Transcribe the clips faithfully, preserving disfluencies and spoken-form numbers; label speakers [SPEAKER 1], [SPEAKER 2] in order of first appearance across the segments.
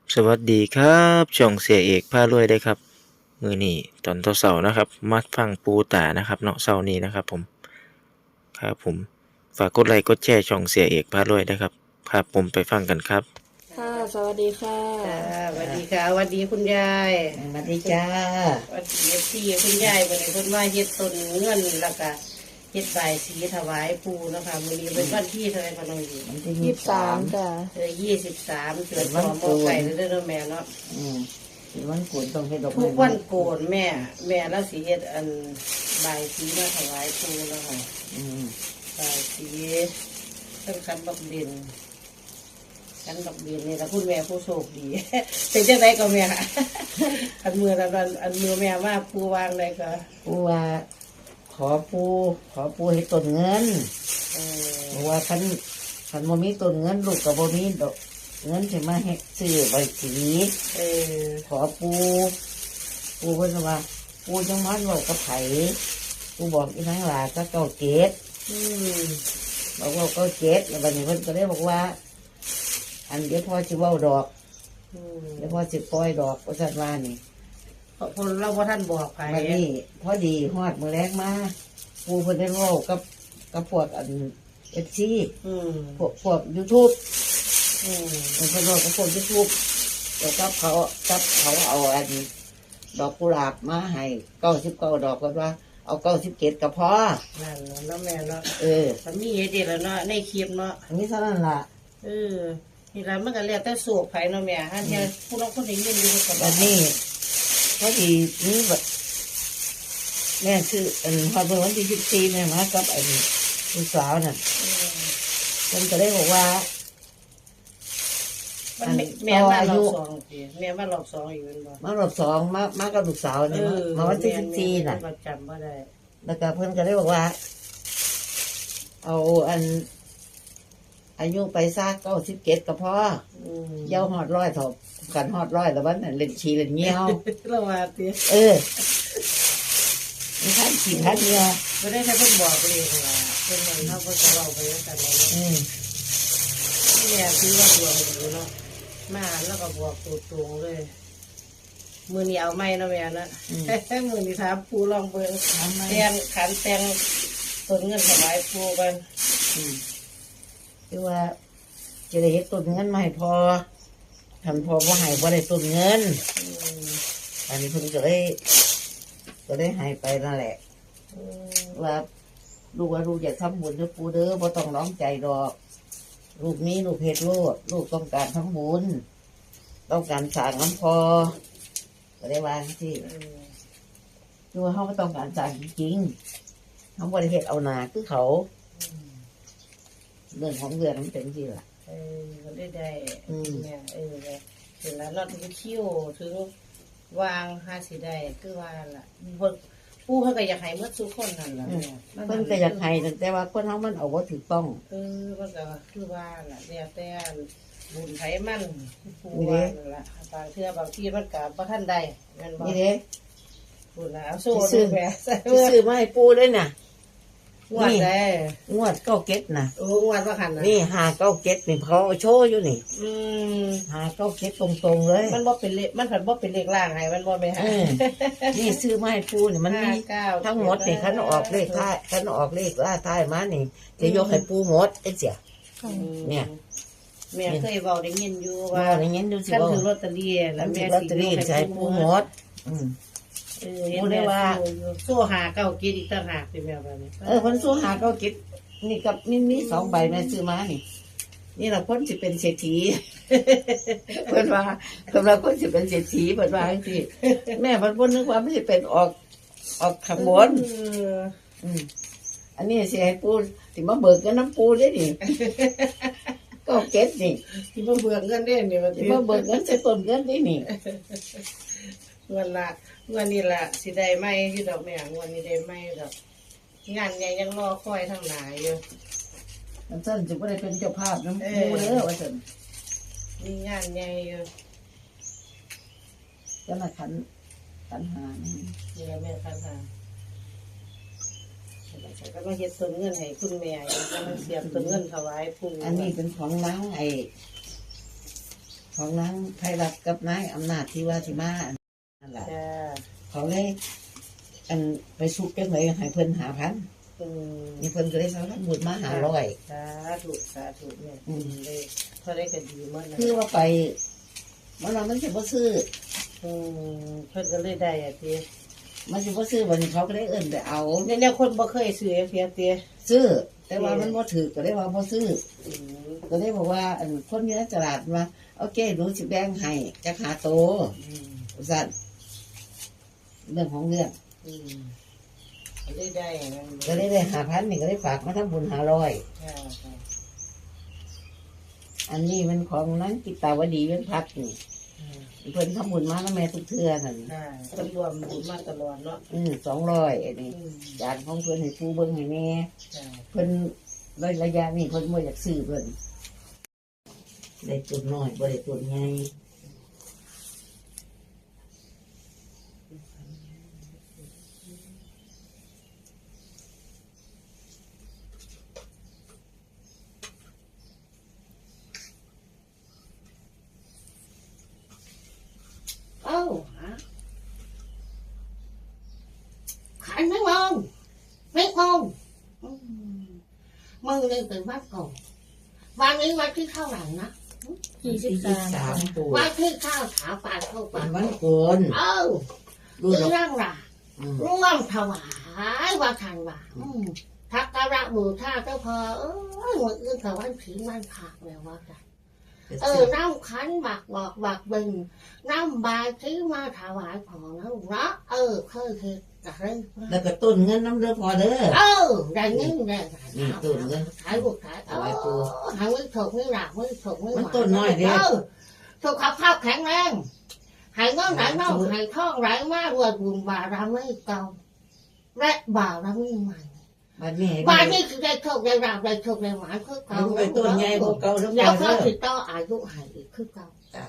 [SPEAKER 1] สวัสดีครับช่องเสียเอกพารวยได้ครับมื้อนี้ตอนเช้าๆนะครับมาฟังปูตานะครับเนาะเช้านี้นะครับผมครับผมฝากกดไลค์กดแชร์ช่องเสียเอกพารวยด้วยครับครับผมไปฟังกันครับ
[SPEAKER 2] ค่ะสวัสดีค่ะ
[SPEAKER 3] จ้าสวัสดีค่ะสวัสดีคุณยาย
[SPEAKER 4] สวัสดีจ้า
[SPEAKER 3] สวัสดีพี่คุณยายวันนี้เพิ่นว่าเฮ็ดต้นเงินแล้วก็เฮ็ดใบายสีถวายปู่นะคะมื้อนี้เป็นวันที่เท่าไหร่ก็น้องอยู่
[SPEAKER 4] วันที่
[SPEAKER 2] ยี่สิบสามจ้ะ
[SPEAKER 3] เออยี่สิบสามเดือนสองบ่ไก่เด้อเด้อแม่เนาะ
[SPEAKER 4] อืมเป็นวันโกนต้องเฮ็ดดอก
[SPEAKER 3] ทุ
[SPEAKER 4] ไม้
[SPEAKER 3] กวันโกนแม่ แม่แล้วสิเฮ็ดอันใบายสีมาถวายปู่นะคะ
[SPEAKER 4] อืม
[SPEAKER 3] ใบายสีต้นคันบักเด่นคันบักเด่นนี่ล่ะคุณแม่ผู้โชคดี เป็นจังไดก็แม่ อันมือละอันอันมือแม่ว่าปู่วางได้ก็
[SPEAKER 4] ปูว่าขอปูขอปูให้ต้นเงิน
[SPEAKER 3] เออ
[SPEAKER 4] เพราะว่าคันคันบ่มีต้นเงินลูกก็บ่มีดอกเงินสิมาเฮ็ดซื้อใบสี
[SPEAKER 3] เออ
[SPEAKER 4] ขอปูปูเพิ่นว่าปูจังมันเว้ากับไผปูบอกอีนางหลาก็เก้าเกต
[SPEAKER 3] อืม
[SPEAKER 4] บอกว่าเก้าเกตแล้วบัดนี้เพิ่นก็เลยบอกว่า อันเดี๋ยวพ่อสิเว้าดอก
[SPEAKER 3] อืม
[SPEAKER 4] เดี๋ยวพ่อสิปล่อยดอกว่าซั่นว่านี่
[SPEAKER 3] เพราะคนเราว่าท่านบอกไป
[SPEAKER 4] วันนี้พอดีฮอดมือแรกมาปูเพิ่นได้เว้ากับกับพวกอันเอฟซี
[SPEAKER 3] อืม
[SPEAKER 4] พวกพวกยูทูบ
[SPEAKER 3] อืม
[SPEAKER 4] เพิ่นเว้ากับพวกยูทูบแล้วกับเขากับเขาเอาอันดอกกุหลาบมาให้เก้าสิบเก้าดอกก็ว่าเอาเก้าสิบเจ็ดก็พอ
[SPEAKER 3] นั่นแหละเนาะแม่เนาะ
[SPEAKER 4] เออ
[SPEAKER 3] มันมีเฮ็ดเด็ดแล้วเนาะในคลิปเนาะ
[SPEAKER 4] อันนี้เท่านั้นล่ะ
[SPEAKER 3] เออนี่ละมันก็แล้วแต่สูบไผเนาะแม่ฮะเที่ยผู้น้องคนนี้ยินอยู่กับ
[SPEAKER 4] วันนี้พอดีนี่แบบแม่คืออันพอเมื่อวันที่สิบสี่แม่มากับอันลูกสาวน่ะ
[SPEAKER 3] อืม
[SPEAKER 4] เพิ่นก็ได้บอกว่า
[SPEAKER 3] มันแม่แม่มารอบสองสิแม่มารอบสองอยู่แม่นบ่
[SPEAKER 4] มารอบสองมามากับลูกสาวเนี่ยมามาวันที่สิบสี่น่ะ
[SPEAKER 3] แม่ก็จำบ่ได้
[SPEAKER 4] แล้วก็เพื่อนก็ได้บอกว่า เอาอัน อายุไปซากเก้าสิบเจ็ดก็พอ
[SPEAKER 3] อืม
[SPEAKER 4] เย้าหอดร้อยถบกันหอดร้อยแล้ววันนั้นเล่นชีเล่นเงี้ยว
[SPEAKER 3] เราว่าติ
[SPEAKER 4] เออมีท่านขี่ท่านเงี้ยว
[SPEAKER 3] บ่ได้ให้เพิ่นบอกเลยว่าเพิ่นว่าเฮาเพิ่นก็เว้าไปแล้วกันเนาะ
[SPEAKER 4] อืม
[SPEAKER 3] แม่คือว่าดวงดีเนาะมาแล้วก็บอกตัวตรงเลย มือนี้เอาไม่เนาะแม่เนาะ มือนี้ถามปูลองเบิ่ง
[SPEAKER 4] ทำไม
[SPEAKER 3] แตงขันแตงต้นเงินถวายปูกัน
[SPEAKER 4] อืมคือว่าจะได้เห็นต้นเงินมาให้พอทำพอว่าให้ว่าได้ต้นเงิน
[SPEAKER 3] อืม
[SPEAKER 4] อันนี้เพิ่นก็ได้ก็ได้ให้ไปนั่นแหละ
[SPEAKER 3] อืม
[SPEAKER 4] ว่าลูกว่าลูกอยากทำบุญด้วยปูเด้อบ่ต้องร้องใจดอก ลูกนี้ลูกเฮ็ดโลดลูกต้องการทำบุญต้องการสร้างน้ำพอก็ได้วาจังที่
[SPEAKER 3] อืม
[SPEAKER 4] คือว่าเขาไม่ต้องการสร้างจริงๆเขาบริเฮ็ดเอาหนาคือเขา เรื่องของเรื่องมันเป็นที่ล่ะ
[SPEAKER 3] เออก็ได้ได้
[SPEAKER 4] อืม
[SPEAKER 3] เนี่ยเออเลยเสร็จแล้วเราถึงคิ้วถึงวางห้าสิได้คือว่าล่ะเพิ่นปูเพิ่นก็อยากให้หมดทุกคนนั่นล่ะ
[SPEAKER 4] อืม
[SPEAKER 3] แม่
[SPEAKER 4] เพิ่นก็อยากให้แต่ว่าคนเขามันเอาว่าถูกต้อง
[SPEAKER 3] เออมันก็คือว่าล่ะแล้วแต่บุญไผมันปูว่านั่นล่ะบางเทื่อบางที่มันก็บ่ทันได้แม่นบ่
[SPEAKER 4] นี่เด้
[SPEAKER 3] พูดนะเอาสู้
[SPEAKER 4] ซื้อ
[SPEAKER 3] ดูแม่ใส่
[SPEAKER 4] ที่ซื้อมาให้ปูด้วยน่ะ
[SPEAKER 3] งวดได้
[SPEAKER 4] งวดเก้าเก็ดน่ะ
[SPEAKER 3] โอ้งวดว่าหันนะ
[SPEAKER 4] นี่หาเก้าเก็ดนี่เขาเอาโชว์อยู่นี่
[SPEAKER 3] อืม
[SPEAKER 4] หาเก้าเก็ดตรงๆเลย
[SPEAKER 3] มันบ่เป็นเลขมันผันบ่เป็นเลขล่างให้มันบ่ไปหา
[SPEAKER 4] เออนี่ซื้อมาให้ปูนี่มันมี
[SPEAKER 3] ห้าเก้า
[SPEAKER 4] ทั้งหมดนี่คันออกเลขท้ายคันออกเลขล่าท้ายมานี่จะยกให้ปูหมดไอ้เสีย
[SPEAKER 3] อืม
[SPEAKER 4] เนี่ย
[SPEAKER 3] แม่เคยเว้าได้ยินอยู่
[SPEAKER 4] ว่า
[SPEAKER 3] ว่า
[SPEAKER 4] อย่างงี้ดูสิ
[SPEAKER 3] คัน
[SPEAKER 4] ว่า
[SPEAKER 3] ถึงลอตเตอรี่
[SPEAKER 4] แล้
[SPEAKER 3] แล้ว ว
[SPEAKER 4] แม่
[SPEAKER 3] แม่
[SPEAKER 4] ลอตเตอรี่ใช้ปูหมด อืม
[SPEAKER 3] เออเห็น
[SPEAKER 4] ปูได้
[SPEAKER 3] แม่
[SPEAKER 4] ว่า
[SPEAKER 3] สู้หาเก้ากินอีกต่างหากสิแม่ว่านี่
[SPEAKER 4] เออคนสู้หาเก้าเก็ดนี่กับนี่นี่สองใบแม่ซื้อมานี่ นี่แหละคนสิเป็นเศรษฐี เพิ่นว่าสำหรับคนสิเป็นเศรษฐีเพิ่นว่าจังซี่แม่เพิ่นบ่นึกว่ามันสิเป็นออกออกข้างบน
[SPEAKER 3] เออ
[SPEAKER 4] อืมอันนี้สิให้ปูสิมาเบิกกันน้ำปูเด้อนี่ก็เก็ดนี่
[SPEAKER 3] ที่บ่เบื่อเงินเด้นี่ว่า
[SPEAKER 4] สิ
[SPEAKER 3] สิ
[SPEAKER 4] มาเบิกเงินใส่ต้นเงินนี่นี่
[SPEAKER 3] เงินละเงินนี่ล่ะสิได้ไหมที่ดอกแม่เงินนี้ได้ไหมดอกงานใหญ่ยังรอคอยทางหน้าอยู่
[SPEAKER 4] มันซั่นสิบ่ได้เป็นเจ้าภาพน้ำปูเด้อว่าซั่น
[SPEAKER 3] มีงานใหญ่อยู่
[SPEAKER 4] จะมาขันขันหานี่
[SPEAKER 3] นี่แหละแม่คันค่ะฉันก็มาเฮ็ดต้นเงินให้คุณแม่อยู่กำลังเสียบต้นเงินถวายปู่
[SPEAKER 4] อันนี้เป็นของนางไอ้ของนางไพรัตน์กับนายอำนาจที่ว่าที่มานั่นแหละ
[SPEAKER 3] จ้า
[SPEAKER 4] เขาเลยอันไปสุกจังเลยให้เพิ่นหาพัน
[SPEAKER 3] อืม
[SPEAKER 4] นี่เพิ่นก็เลยสารบุญมาหาร้อย
[SPEAKER 3] สาธุสาธุเนี่ยดีเลยเท่าได้ก็ดีมากนะ
[SPEAKER 4] คือว่าไปมันว่ามันสิบ่ซื้อ
[SPEAKER 3] อืมเพิ่นก็เลยได้อ่ะที
[SPEAKER 4] มันสิบ่ซื้อวันนี้เขาก็เลยเอิ้นไปเอา
[SPEAKER 3] เนี่ยเนี่ยคนบ่เคยซื้อเพียเตีย
[SPEAKER 4] ซื้อ แต่ว่ามันบ่ถือก็เลยว่าบ่ซื้อ
[SPEAKER 3] อืม
[SPEAKER 4] ก็เลยบอกว่าอันคนอยู่ในตลาดว่าโอเคหนูสิแบ่งให้จักหาโต
[SPEAKER 3] อืม
[SPEAKER 4] สั่นเรื่องของเรื่อง
[SPEAKER 3] อืมก็เลยได้นะ
[SPEAKER 4] ก็เลยได้หาพันนี่ก็เลยฝากมาทำบุญหาร้อย
[SPEAKER 3] ค่ะค่ะ
[SPEAKER 4] อันนี้มันของนั้นกิตาวดีเว้นพักนี่
[SPEAKER 3] อืม
[SPEAKER 4] เพิ่นทำบุญมาแล้วแม่ทุกเทื่อนั่น
[SPEAKER 3] ค่ะตำรวจบุญมาตลอดเนาะ
[SPEAKER 4] อืมสองร้อยอันนี้
[SPEAKER 3] อืม
[SPEAKER 4] จานของเพิ่นให้ผู้เบิ่งให้แม่
[SPEAKER 3] ค่ะ
[SPEAKER 4] เพิ่นระระยะนี้เพิ่นบ่อยากซื้อเพิ่นได้ตุนน้อยบ่ได้ตุนใหญ่เอ้าฮะขันไม่มองไม่มองอืมมือเลยเป็นวัดก่อนวันนี้วันที่เท่าไหร่นะ
[SPEAKER 2] ยี่สิบสาม
[SPEAKER 4] ตัว
[SPEAKER 3] วันที่ข้าวถาปานเข้า
[SPEAKER 4] เป็
[SPEAKER 3] ปาน น
[SPEAKER 4] วันโกน
[SPEAKER 3] เอ้า
[SPEAKER 4] ดู
[SPEAKER 3] เรื่
[SPEAKER 4] ดอก
[SPEAKER 3] องล่ะ
[SPEAKER 4] อืม
[SPEAKER 3] ร่วมถวายว่าทันว่าอืมทักการะบูชาเจ้าพอเอ้ยวันอื่นกับวันผีวันผักแล้วว่ากันเออน้ำขันบักบอกบักบึงน้ำบายที่มาถวายของนะลูกเนาะเออเคยเห็นกันเลย
[SPEAKER 4] แล้วก็ต้นเงินน้ำเด้อพอเด้อ
[SPEAKER 3] เออได้เงินได้
[SPEAKER 4] นี่ต้นเงิน
[SPEAKER 3] ขายบุกขาย
[SPEAKER 4] ถวายปู่
[SPEAKER 3] หาไม่ถกไม่หลักไม่ถกไม่ห
[SPEAKER 4] มัน
[SPEAKER 3] วาน
[SPEAKER 4] ต้นน้อยเด้อ
[SPEAKER 3] เออสุขภาพแข็งแรงหายเงินไหลเน่าหายท่องไหลมากรวยบุญบารมีเก่าและบารมีใหม่
[SPEAKER 4] บัดนี้
[SPEAKER 3] บารมีคือได้โชคได้ราบได้โชคได้หวานคือเก่า
[SPEAKER 4] เอาไปต้นใหญ่กว่าเก่าแล้วพ
[SPEAKER 3] แล้
[SPEAKER 4] อ
[SPEAKER 3] วก็
[SPEAKER 4] เด้อ
[SPEAKER 3] ติดต่ออายุหายอีกคือเก่า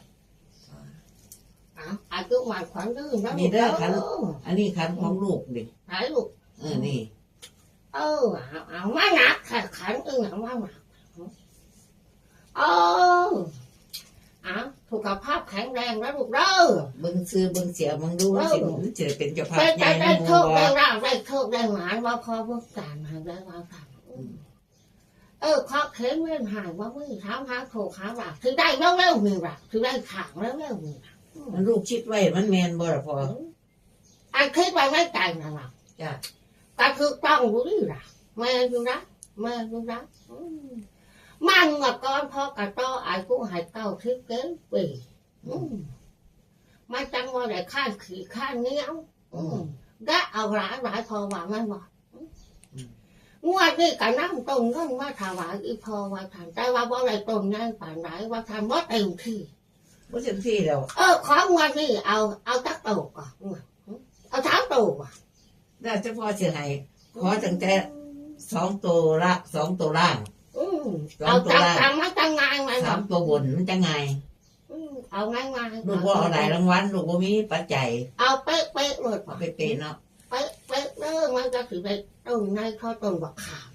[SPEAKER 3] อ่ะอายุหวานขวัญดื้อนะ
[SPEAKER 4] นี่เด้อขัน
[SPEAKER 3] เออ
[SPEAKER 4] อันนี้ขันของลูกดิ
[SPEAKER 3] หายลูก
[SPEAKER 4] เออนี่
[SPEAKER 3] เออเอาเอามาหนักค่ะขันเออเอามาหนักเออเอาสุขภาพแข็งแรงนะลูกเด้อ
[SPEAKER 4] เบิ่งซื้อเบิ่งเสียมึงดูมันสิมันจะเป็นเจ้าภาพ
[SPEAKER 3] ได้
[SPEAKER 4] ใหญ่
[SPEAKER 3] ได้
[SPEAKER 4] ใน
[SPEAKER 3] ได้
[SPEAKER 4] หมู่
[SPEAKER 3] โชค
[SPEAKER 4] บ่
[SPEAKER 3] ได้ราบได้โชคได้หมานว่าพอเมื่อการหายได้ว่าสั่งเออข้อเข็มเว้นหายว่ามือเท้าหาโถขาหลักถือได้แล้วแล้วมือหลักถือได้ขางแล้วแล้วมือหลัก
[SPEAKER 4] มันลูกคิดไว้มันแม่นบ่ล่ะพอ
[SPEAKER 3] อันคิดไว้ไม่ใจนะหลัก
[SPEAKER 4] จ้ะ
[SPEAKER 3] ก็คือต้องรู้ดีหลักแม่ดูนะแม่ดูนะมันกับก้อนพ่อกระต้อไอ้กูหายเก้าทิพย์เกินปีมันจังว่าได้ข้านขี่ข้านเนี้ยได้เอาหลายหลายพอว่ามันบอกงวดนี้กับน้ำต้นเงินว่าถวายอีพอว่าทานแต่ว่าบ่ได้ต้นง่ายป่านไหนว่าทานบ่เต็มที่
[SPEAKER 4] บ่จังซี่แล้ว
[SPEAKER 3] เออของงวดนี้เอาเอาตักโตก่อนเอาสามโตก่อน
[SPEAKER 4] น่าจะพอสิให้ขอตั้งแต่สองตัวละสองตัวล่าง
[SPEAKER 3] อืมเอาตักทำมาตั้งงานมา
[SPEAKER 4] สามตัวบนมันจะไง
[SPEAKER 3] เอาง่ายง่าย
[SPEAKER 4] ลูกบ่เอาหลายรางวัลลูกบ่มีปัจจัย
[SPEAKER 3] เอาเป๊ะเป๊ะเลย
[SPEAKER 4] เอาไปเป็นเนาะ
[SPEAKER 3] เป๊ะเป๊ะเด้อมันจะถือได้ต้นในข้อต้นบักขาม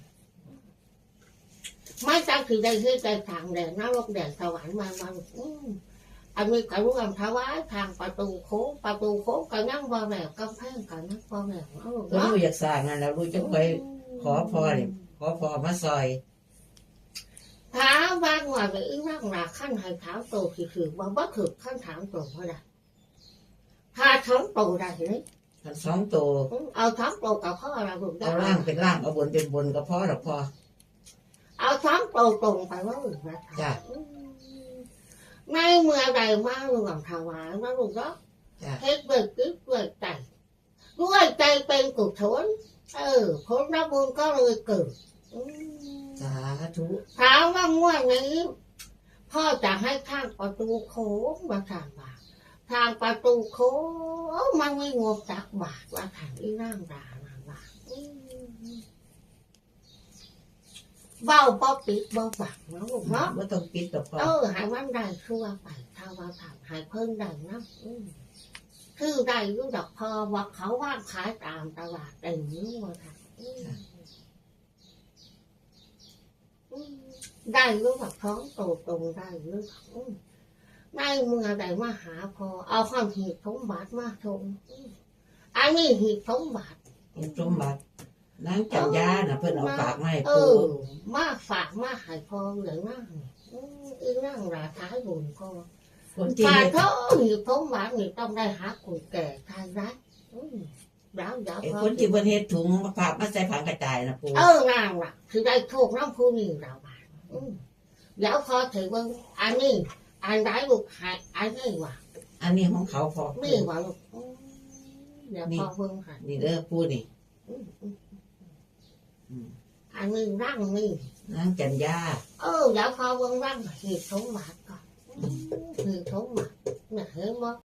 [SPEAKER 3] ไม่จะถือได้ที่ใจทางแดงนรกแดงสวรรค์มามาอืมอันนี้ก็ร่วมถวายทางประตูโค้งประตูโค้งก็นั่งบ่แหวกกำแพงก็นั่งบ่แหวกเอา
[SPEAKER 4] ก็ลูกอยากสร้างนั่นแล้วลูกจะไปขอพรนี่ขอพรมาซอย
[SPEAKER 3] ถามว่าว่าไปอีนั่งหลักขั้นให้ถามโตคือคือว่าบ่ถือขั้นถามโตเท่าไหร่ถ้าท้องโตได้เลย
[SPEAKER 4] อันสองตัว
[SPEAKER 3] เอาท้องโตกับพ่อเราถูกได้
[SPEAKER 4] เอาล่างเป็นล่างเอาบนเป็นบนก็พอดอกพอ
[SPEAKER 3] เอาท้องโตตรงไปว่าอื่นนะ
[SPEAKER 4] จ้ะ
[SPEAKER 3] ในเมื่อใดมาหลวงถวายว่าลูกก็
[SPEAKER 4] จ้ะ
[SPEAKER 3] เฮ็ดเบิกกึกเบิกใจด้วยใจเป็นกุศลเออผลรับบุญก็เลยเกิด
[SPEAKER 4] สาธุ
[SPEAKER 3] ถามว่างวดนี้พ่อจะให้ทางประตูโค้งมาทางบาททางประตูโค้งมันไม่งบตักบาทว่าทางอีนั่งด่านางบาทเบ้าป๊อปิดเบ้าบักเนาะลูกเนาะ
[SPEAKER 4] บ่ต้องปิดดอกพอ
[SPEAKER 3] เออหายวันใดชั่วไปถ้าว่าทำหายเพิ่งใดนะคือใดรู้ดอกพอว่าเขาว่างขายตามตลาดเต็มนู้ว่าทำได้รู้ดอกท้องโตตรงได้รู้ดอก
[SPEAKER 2] ได้เมื่อใดมาหาพอเอาความหีบสมบัติมาชมอันนี้หีบสมบัติ
[SPEAKER 4] เห็นสมบัตินางจันยาน่ะเพิ่นเอาฝากมาให้
[SPEAKER 2] เอ
[SPEAKER 4] ปู
[SPEAKER 2] อมาฝากมาใหายพอเหลือนั่งอืมอีนั่งราท้ายบุญพอ
[SPEAKER 4] คนที่
[SPEAKER 2] ฝาก
[SPEAKER 4] เฮ็ด
[SPEAKER 2] เขาหีบสมบัตินี่ต้องได้หาคนแก่ทายรัฐอืมดาวดาว
[SPEAKER 4] ไอ้
[SPEAKER 2] พอ
[SPEAKER 4] คนที่เพิ่นเฮ็ดถุงมาฝากมาใส่ผังกระจายน่ะปู
[SPEAKER 2] เออนางล่ะคือได้โชคน้ำผู้นี่เราบ้านอืมเดี๋ยวพอถือว่าอันนี้อันได้ลูกหายอันนี้ว่ะ
[SPEAKER 4] อันนี้ของเขาพอ
[SPEAKER 2] ไม่ว่าลูกอืมเดี๋ยวพอเบิ่งค่ะ
[SPEAKER 4] นี่เด้อปูนี่
[SPEAKER 2] อืมอืม
[SPEAKER 4] อืม
[SPEAKER 2] อันนี้ร่างนี่
[SPEAKER 4] นางจันยา
[SPEAKER 2] เออเดี๋ยวพอเบิ่งร่างหีบสมบัติก่อนอืมหีบสมบัติเนี่ยเห็นบ่